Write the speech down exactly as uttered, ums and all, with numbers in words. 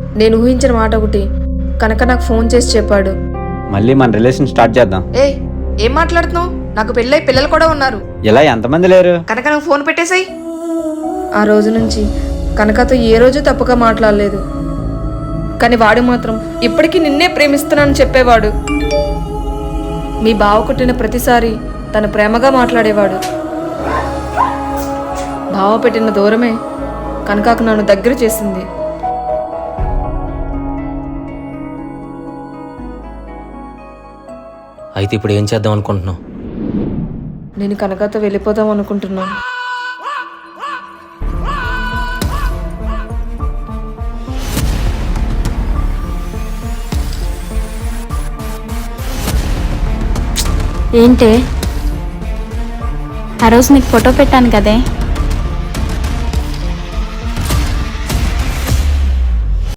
నేను ఊహించిన మాట ఒకటి, కనుక నాకు ఫోన్ చేసి చెప్పాడు. మళ్ళీ మన రిలేషన్ స్టార్ట్ చేద్దాం. ఏ ఏం మాట్లాడుతున్నావు? నాకు పెళ్ళై పిల్లలు కూడా ఉన్నారు. ఇలా ఎంతమంది లేరు? కనుక నాకు ఫోన్ పెట్టేసాయి. ఆ రోజు నుంచి కనకతో ఏ రోజు తప్పుగా మాట్లాడలేదు. కానీ వాడు మాత్రం ఇప్పటికీ నిన్నే ప్రేమిస్తున్నానని చెప్పేవాడు. మీ బావ కొట్టిన ప్రతిసారి తన ప్రేమగా మాట్లాడేవాడు. బావ పెట్టిన దూరమే కనకకు నన్ను దగ్గర చేసింది. అయితే ఇప్పుడు ఏం చేద్దాం అనుకుంటున్నావు? నేను కనకతో వెళ్ళిపోదాం అనుకుంటున్నాను. ఏంటే ఆ రోజు నీకు ఫోటో పెట్టాను కదే,